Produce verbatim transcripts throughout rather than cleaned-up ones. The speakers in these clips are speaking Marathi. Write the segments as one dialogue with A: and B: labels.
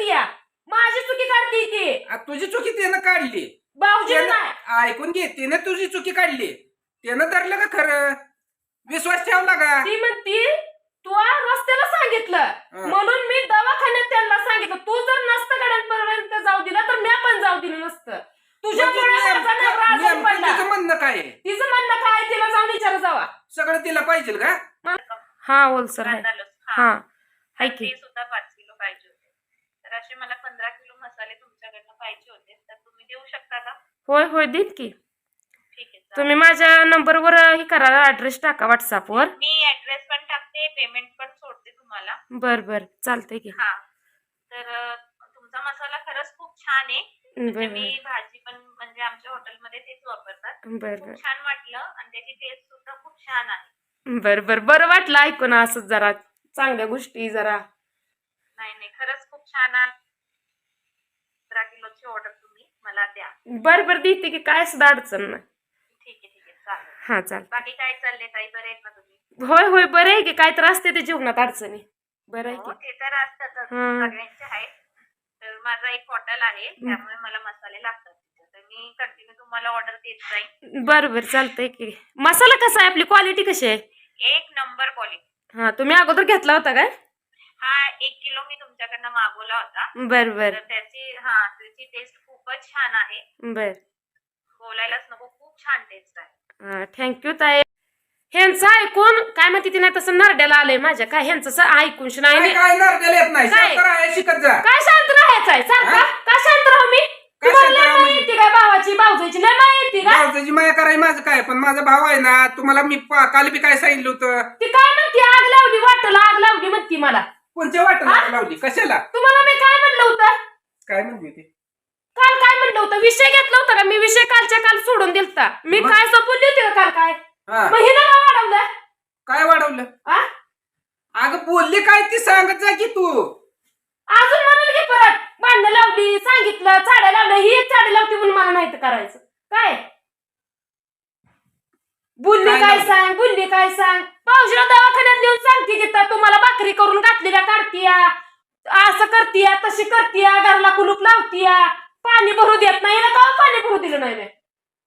A: या माझी चुकी काढते ती
B: आ, तुझी चुकी त्यानं काढली
A: भाऊजी
B: त्यानं-
A: नाही
B: ऐकून घे त्यानं तुझी चुकी काढली त्यानं धरलं का खरं विश्वास ठेवला का
A: ती म्हणती तू आ रस्त्याला सांगितलं
B: हं.
A: म्हणून मी दवाखान्यात त्यांना सांगितलं तू जर नसतं गड्यांपर्यंत जाऊ दिला तर मी पण जाऊ दिलं नसतं तुझ्यामुळे माझा नवरा आजारी
B: नेमकं
A: पडला.
B: तिचं म्हणणं काय आहे?
A: तिचं म्हणणं काय तिला जाऊन विचार जावा
B: सगळं तिला पाहिजे का
A: हा बोल सर आहे हा हाय की
C: ते सुद्धा पाच किलो पाहिजे होते तर असे मला पंधरा किलो मसाले तुमच्याकडनं पाहिजे होते तर तुम्ही देऊ शकता का?
A: होय होय देत की
C: ठीक आहे चालेल.
A: तुम्ही माझ्या नंबरवर हे करा ऍड्रेस टाका व्हॉट्सअपवर
C: मी ऍड्रेस पण टाकते पेमेंट पण सोडते तुम्हाला.
A: बर बर चालतंय की
C: हा तर अं, तुमचा मसाला खरंच खूप छान आहे. म्हणजे
A: बर
C: मी भाजी पण म्हणजे आमच्या हॉटेलमध्ये तेच वापरतात.
A: बर
C: खूप
A: बर
C: छान वाटलं आणि त्याची टेस्ट सुद्धा खूप छान आहे.
A: बर बर बरं वाटलं ऐकून असं जरा चांगल्या गोष्टी जरा
C: नाही नाही खरंच खूप छान आहे. पंधरा किलोची ऑर्डर तुम्ही मला द्या.
A: बर बर देते की काय सुद्धा अडचण नाही
C: ठीक आहे ठीक आहे चालेल.
A: हा चाल
C: बाकी काय चाललंय ताई बरे आहेत ना तुम्ही?
A: होय होय बरं आहे की काय तर असते ते जीवनात अडचणी बरं आहे
C: हो
A: की
C: ते तर असतातच
A: हं.
C: सगळ्यांचे आहेत. तर माझं एक हॉटेल आहे त्यामुळे मला मसाले लागतात तिथे. तर मी कंटिन्यू तुम्हाला ऑर्डर देत जाईन.
A: बरं बरं चालतंय की मसाला कसा आहे आपली क्वालिटी कशी आहे
C: एक नंबर क्वालिटी.
A: हा तुम्ही अगोदर घेतला होता काय
C: हा एक किलो मी तुमच्याकडनं मागवला होता.
A: बर बर
C: तर त्याची हा त्याची टेस्ट खूपच छान आहे.
A: बर
C: बोलायलाच नको खूप छान टेस्ट आहे.
A: थँक्यू ताई ह्यांचं ऐकून काय म्हणते ती नाही तसं नरड्याला आलंय माझ्या काय ह्यांचं स- ऐकून श- नाही
B: काय काय नारकेल येत नाही
A: काय?
B: शांत राहा, शिकत जा
A: काय शांत राहायचंय सारखा
B: हा?
A: का शांत राहू मी
B: काय
A: तुम्हाला
B: शांत
A: लय
B: राहू
A: माहिती
B: म्हणजे?
A: येते काय भावाची भाऊजाईची लय माहिती येते का
B: भावजाची माया करायची माझं काय पण माझा भाव आहे ना तुम्हाला मी पा- काल बी काय सांगितलं होतं
A: ती काय म्हणते आग लावली वाटला आग लावली म्हणती मला
B: कोणत्या वाटत लावली कशाला
A: तुम्हाला मी काय म्हणलं होतं
B: काय म्हणली ते
A: काल काय म्हणलं होतं विषय घेतला होता का मी विषय कालच्या काल सोडून दिलता मी
B: मग?
A: काय बोलली होती का काल काय
B: हा
A: मग हिला का वाढवलं
B: काय वाढवलं
A: आ?
B: अगं बोलली काय ती सांगत जा की तू
A: अजून म्हणाल की परत भांडणं लावली सांगितलं झाडं लावलं ही एक झाडं लावती म्हणून मला नाही तर करायचं काय बुल्ली
B: काय
A: काय
B: लावलं?
A: सांग बुल्ली काय सांग पावशीला दवाखान्यात नेऊन सांगते की तर तुम्हाला भाकरी करून घातलेल्या काढतीया असं करतीया तशी करतीया घरला कुलूप लावतीया पाणी भरू देत नाही ना का पाणी भरू दिलं नाही मी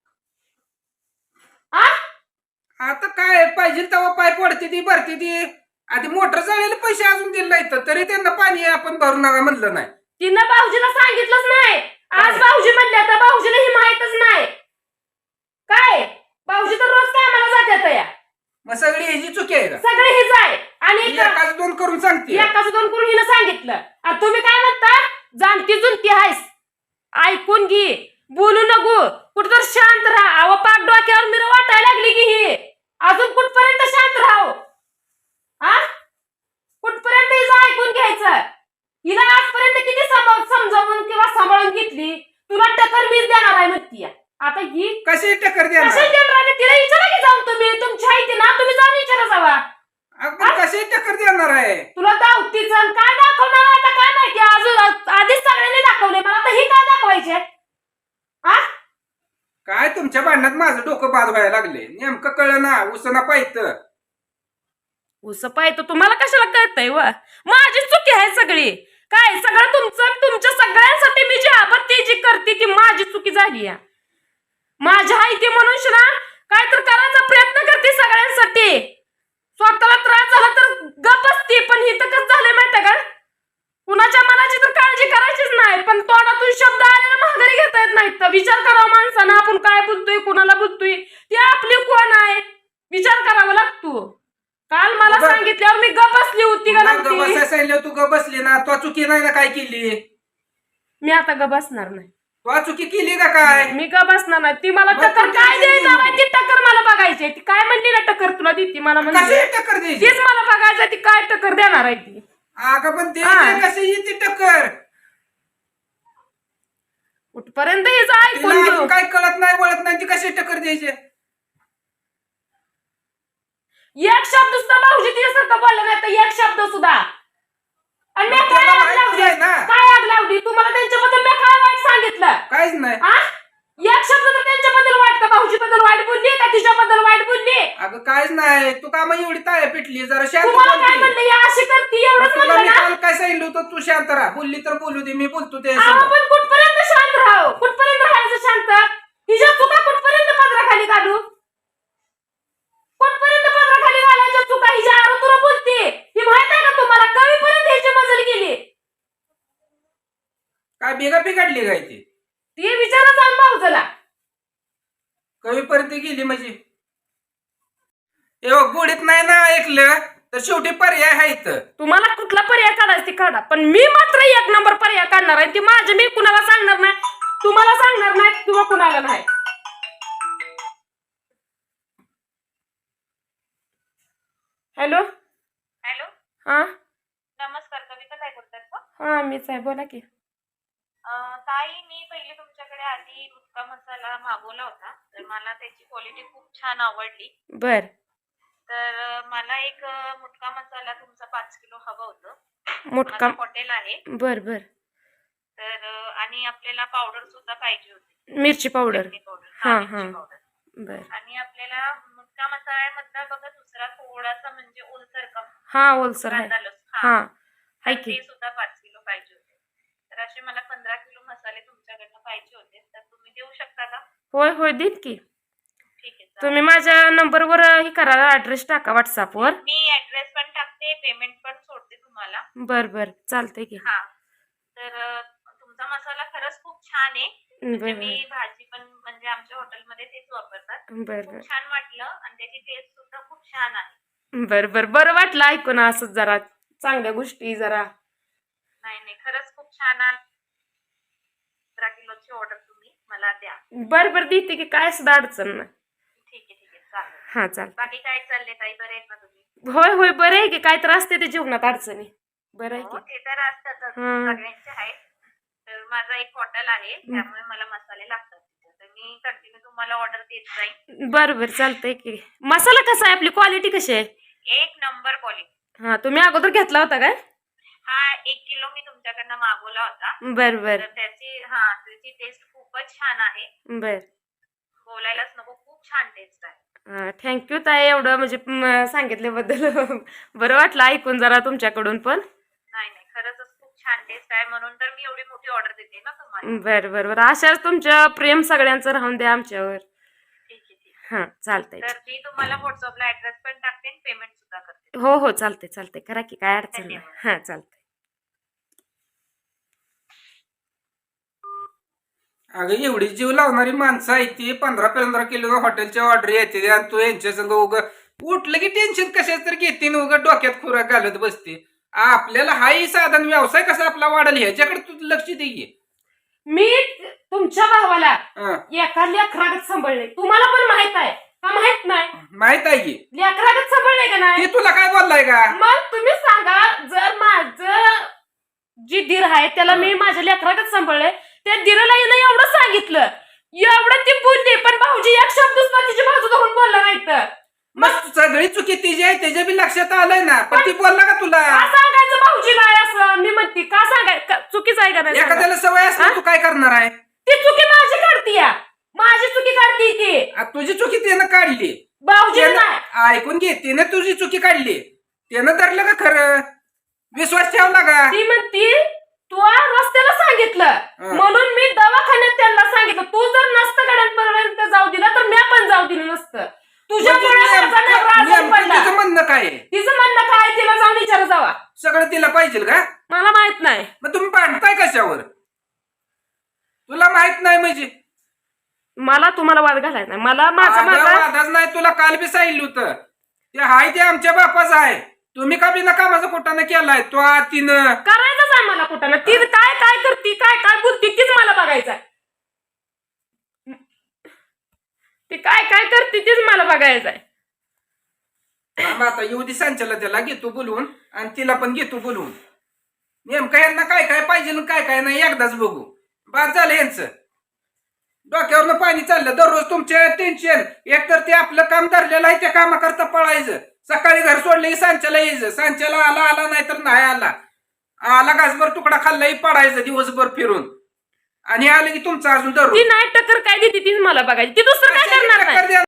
A: आ
B: आता काय पाहिजे तेव्हा पाय पडते ती भरते ती आधी मोटर चाललेले पैसे अजून दिले नाही तर तरी त्यांना पाणी आपण भरू नका म्हणलं नाही
A: तिनं भाऊजीला सांगितलंच नाही आज
B: काय?
A: भाऊजी म्हणल्या तर भाऊजीला ही माहितच नाही काय भाऊजी तर रोज कामाला जात्यात या
B: मग सगळी ह्याची चुकी आहे का
A: सगळे हेच आहे आणि
B: ही एकाच दोन करून सांगते
A: एकाच दोन करून हिनं सांगितलं आणि तुम्ही काय म्हणता जाणती जुनती आहेस ऐकून घे बोलू नको कुठं तर शांत राहा अव पाक डोक्यावर मिर वाटायला लागली की ही अजून कुठपर्यंत शांत राहू आ कुठपर्यंत हिचं ऐकून घ्यायचं हिला आजपर्यंत किती सम- समजावून किंवा सांभाळून घेतली तुला टक्कर मीच देणार आहे म्हणती आता ही
B: कशी टक्कर
A: कशी
B: देणार
A: देणार आहे? तिला विचारा की जाऊन तुम्ही तुमच्या आई ना तुम्ही जाऊन विचारा जावा
B: आपण कशी टक्कर देणार आहे
A: तुला दावतीच आणि काय दाखवणार आहे आता काय माहिती अजून आधीच सगळ्यांनी दाखवले मला तर ही काय दाखवायचे आ
B: काय तुमच्या भांडणात माझं डोकं बाद व्हायला लागले नेमकं कळलं ना उसना पाहिजे
A: उस पाहतो तुम्हाला कशाला कळतंय व माझी चुकी आहे सगळी काय सगळं तुमचं तुमच्या सगळ्यांसाठी मी जी आपत्ती जी करते ती माझी चुकी झाली आहे माझ्या आई ती म्हणून ना काय तर करायचा प्रयत्न करते सगळ्यांसाठी स्वतःला त्रास झाला तर गप असते पण ही तर कसं झालंय माहितीये का कुणाच्या मनाची तर काळजी करायचीच नाही पण तोंडातून शब्द आलेला माघारी घेता येत नाहीत तर विचार करावा माणसानं आपण काय बोलतोय कुणाला बोलतोय ती आपली कोण आहे विचार करावा लागतो काल मला
B: बरं.
A: सांगितल्यावर मी गप बसली होती का नव्हती
B: बसायला सांगितलं तू ग बसली ना तो चुकी नाही ना काय केली
A: मी आता गप बसणार नाही
B: तो चुकी केली का काय
A: मी गप बसणार नाही ती मला
B: मग
A: टक्कर
B: तू
A: काय
B: tension
A: द्यायचं
B: घेऊ
A: आहे ती टक्कर मला बघायची आहे. ती काय म्हणली ना टक्कर तुला देते मला
B: कशी
A: म्हणजे
B: टक्कर द्यायची
A: तीच मला बघायचं आहे, ती काय टक्कर देणार आहे ती
B: अगं पण ते
A: हा.
B: कशी येते टक्कर
A: कुठपर्यंत हिचं ऐकून
B: तिला
A: घेऊ
B: अजून काय कळत नाही वळत नाही ती कशी टक्कर द्यायची
A: एक शब्द सुद्धा भाऊजी तिच्यासारखं बोलला नाही तर एक शब्द सुद्धा आणि मी
B: मग
A: काय
B: त्याला
A: आग
B: माहिती
A: लावली
B: आहे ना.
A: काय आग लावली तुम्हाला त्यांच्याबद्दल मी काय वाईट सांगितलं
B: काहीच नाही
A: आ एक शब्द तर त्यांच्याबद्दल वाटतं भाऊजीबद्दल वाईट बोलली का तिच्याबद्दल वाईट बोलली?
B: अगं कायच नाही, तू का मग एवढी ताया पिटली? जरा शांत
A: तुम्हाला
B: बोल
A: काय
B: की.
A: म्हणलं, ही अशी करते
B: मग
A: एवढंच
B: तुला
A: म्हणलं
B: मी
A: ना?
B: काल काय सांगितलं होतं, तू शांत राहा. बोलली तर बोलू दे, मी बोलतो ते
A: अहो, पण कुठपर्यंत शांत राहू? कुठपर्यंत राहायचं शांत? हिच्या चुका कुठपर्यंत पदराखाली काढू? कुठपर्यंत पदराखाली घालायच्या चुका? हिच्या आरोतुरा बोलते, ही माहित आहे का तुम्हाला? कवीपर्यंत ह्याची मजल गेली.
B: काय बेगा बिघडली काय ती?
A: ती विचारा जाऊन भाऊजला.
B: कवीपर्यंत गेली म्हणजे एवढं गोडीत नाही ना ऐकलं तर शेवटी पर्याय आहे इथं.
A: तुम्हाला कुठला पर्याय काढायचा ती काढा, पण मी मात्र एक नंबर पर्याय काढणार आहे. ती माझे मी कुणाला सांगणार नाही, तुम्हाला सांगणार नाही किंवा कुणाला नाही. हॅलो.
C: हॅलो,
A: हा
C: नमस्कार. कविता काय बोलतात का?
A: हा मीच आहे, बोला की.
C: अं, ताई, मी पहिले तुमच्याकडे आधी मुटका मसाला मागवला होता, तर मला त्याची क्वालिटी खूप छान आवडली.
A: बर
C: तर अं, मला एक अं, मुटका मसाला तुमचा पाच किलो हवं होतं.
A: मुटका.
C: माझं हॉटेल आहे.
A: बर बर.
C: तर अं, आणि आपल्याला पावडर सुद्धा पाहिजे होती,
A: मिरची पावडर.
C: चटणी पावडर.
A: हा,
C: हा,
A: हा.
C: मिरची पावडर.
A: बर.
C: आणि आपल्याला मुटका मसाल्यामधला बघा दुसरा थोडासा म्हणजे ओलसर का
A: हा ओलसर आहे.
C: कांदा लसूण.
A: हा
C: हा,
A: आहे
C: तर
A: की.
C: ते सुद्धा पाच किलो पाहिजे होते. तर असे मला पंधरा किलो मसाले तुमच्याकडनं पाहिजे होते, तर तुम्ही देऊ शकता का?
A: होय होय देईन की.
C: ठीक आहे, चालेल.
A: तुम्ही माझ्या नंबरवर हे करा, ऍड्रेस टाका व्हॉट्सअपवर.
C: मी ऍड्रेस पण टाकते, पेमेंट पण सोडते तुम्हाला.
A: बर बर चालतंय की.
C: हा, तर अं, तुमचा मसाला खरंच खूप छान आहे. म्हणजे
A: बर
C: मी भाजी पण म्हणजे आमच्या हॉटेलमध्ये तेच वापरतात.
A: बर बर
C: खूप छान वाटलं आणि त्याची टेस्ट सुद्धा खूप छान आहे.
A: बर बर बरं वाटलं ऐकून असं, जरा चांगल्या गोष्टी जरा.
C: नाही नाही, खरंच खूप छान आहे. पंधरा किलोची ऑर्डर तुम्ही मला द्या.
A: बर बर देते की, काय सुद्धा अडचण नाही.
C: ठीक आहे, ठीक आहे, चालेल.
A: हा चाल.
C: बाकी काय चाललंय ताई, बरे आहेत ना तुम्ही?
A: होय होय बरं आहे की, काय तर असते ते जीवनात अडचणी. बरं आहे
C: हो,
A: की.
C: ते तर असतातच,
A: हं.
C: सगळ्यांचे आहेत. तर माझं एक हॉटेल आहे, त्यामुळे मला मसाले लागतात तिथे. तर मी कंटिन्यू तुम्हाला ऑर्डर देत जाईन.
A: बर बर चालतंय की. मसाला कसा आहे, आपली क्वालिटी कशी आहे?
C: एक नंबर क्वालिटी.
A: हा तुम्ही अगोदर घेतला होता काय?
C: हा, एक किलो मी तुमच्याकडनं मागवला होता.
A: बर बर
C: तर त्याची हा त्याची टेस्ट खूपच छान आहे.
A: बर.
C: बोलायलाच नको, खूप छान टेस्ट आहे.
A: थँक्यू ताई, एवढं म्हणजे म, सांगितल्याबद्दल. बरं वाटलं ऐकून जरा तुमच्याकडून पण.
C: नाही नाही, खरंच खूप छान टेस्ट आहे, म्हणून तर मी एवढी मोठी ऑर्डर देते ना तुम्हाला.
A: बर बर बर अशाच तुमच्या प्रेम सगळ्यांचं राहून द्या आमच्यावर.
C: ठीक आहे, ठीक आहे.
A: हा चालतंय.
C: तर मी तुम्हाला व्हॉट्सअपला ऍड्रेस पण टाकते, पेमेंट सुद्धा करते.
A: हो हो चालतंय चालतंय, करा की, काय अडचण नाही.
C: धन्यवाद.
A: हा चालतंय.
B: अगं एवढी जीव लावणारी माणसं आहे ती, पंधरा पंधरा किलो हॉटेलच्या ऑर्डर येते आणि तू यांच्या संग उग उठलं की टेन्शन कशाच तर घेते उग डोक्यात खुराक घालत बसते. आपल्याला हाही साधन व्यवसाय कसा आपला वाढेल ह्याच्याकडे तू लक्ष दे.
A: मी तुमच्या भावाला
B: हं,
A: एका लेकरागत सांभाळले, तुम्हाला पण माहित आहे का? माहित नाही?
B: माहित आहे की
A: लेकरागत सांभाळले का नाही?
B: ते तुला काय बोललाय का?
A: मग तुम्ही सांगा, जर माझं जी दीर आहे त्याला मी माझ्या लेकरागत सांभाळले, त्या दिराला हिनं एवढं सांगितलं, एवढं ती बोलली, पण भाऊजी एक शब्द सुद्धा तिची बाजू धरून बोलला नाही. तर
B: मग सगळी चुकी तिची आहे त्याच्या बी लक्षात आलंय ना, पण ती बोलला का तुला?
A: का सांगायचं भाऊजी नाही असं? मी म्हणते का सांगाय, का- चुकीचं आहे का नाही? सांगा.
B: एखाद्याला सवय असली तू काय करणार आहे?
A: ती चुकी माझी काढतीय, माझी चुकी काढती ती,
B: आ, तुझी चुकी त्यानं काढली,
A: भाऊजी
B: त्यानं-
A: नाही.
B: ऐकून घे, त्यानं तुझी चुकी काढली, त्यानं धरलं का खरं? विश्वास ठेवला का?
A: ती म्हणती तू आ रस्त्याला सांगितलं
B: हं.
A: म्हणून मी दवाखान्यात त्यांना सांगितलं. तू जर नसतं गड्यांपर्यंत जाऊ दिला तर मी पण जाऊ दिलं नसतं. तुझ्यामुळे
B: म्हणजे
A: माझा नवरा
B: नेमकं-
A: आजारी
B: नेमकं
A: पडला.
B: तिचं म्हणणं काय आहे?
A: तिचं म्हणणं काय तिला जाऊन विचार जावा.
B: सगळं तिला पाहिजे का?
A: मला माहित नाही.
B: मग तुम्ही भांडताय कशावर? तुला माहित नाही म्हणजे
A: मला तुम्हाला वाद घालायचा नाही. मला माझा
B: अगं,
A: माझा
B: वादाच नाही. तुला काल बी सांगितलं होतं ते हाय ते आमच्या बापाचं आहे. तुम्ही का बिना कामाचा कुठाने केलाय तो आ तिनं?
A: करायचंच आहे मला कुठं ना. ती काय काय करती, काय काय बोलती, तीच मला बघायचं आहे. ती काय काय करते तीच मला बघायचं आहे.
B: थांब आता येऊ दे सांच्याला, त्याला घेतो बोलवून आणि तिला पण घेतो बोलवून. नेमकं यांना काय काय पाहिजे आणि काय काय नाही एकदाच बघू. बाद झालं यांचं. डोक्यावरनं पाणी चाललं. दररोज तुमचे टेन्शन. एकतर ते आपलं काम धरलेलं आहे, त्या कामाकरता पळायचं. सकाळी घर सोडलं की सांच्याला यायचं. सांच्याला आला आला नाही तर नाही आला. आला घासभर तुकडा खाल्लाही पडायचं दिवसभर फिरून. आणि आलं की तुमचं अजून दररोज
A: ती नाही टक्कर काय देते तीच मला बघायची ती दुसरं काय
B: कशाची
A: करणार नाही
B: टक्कर द्या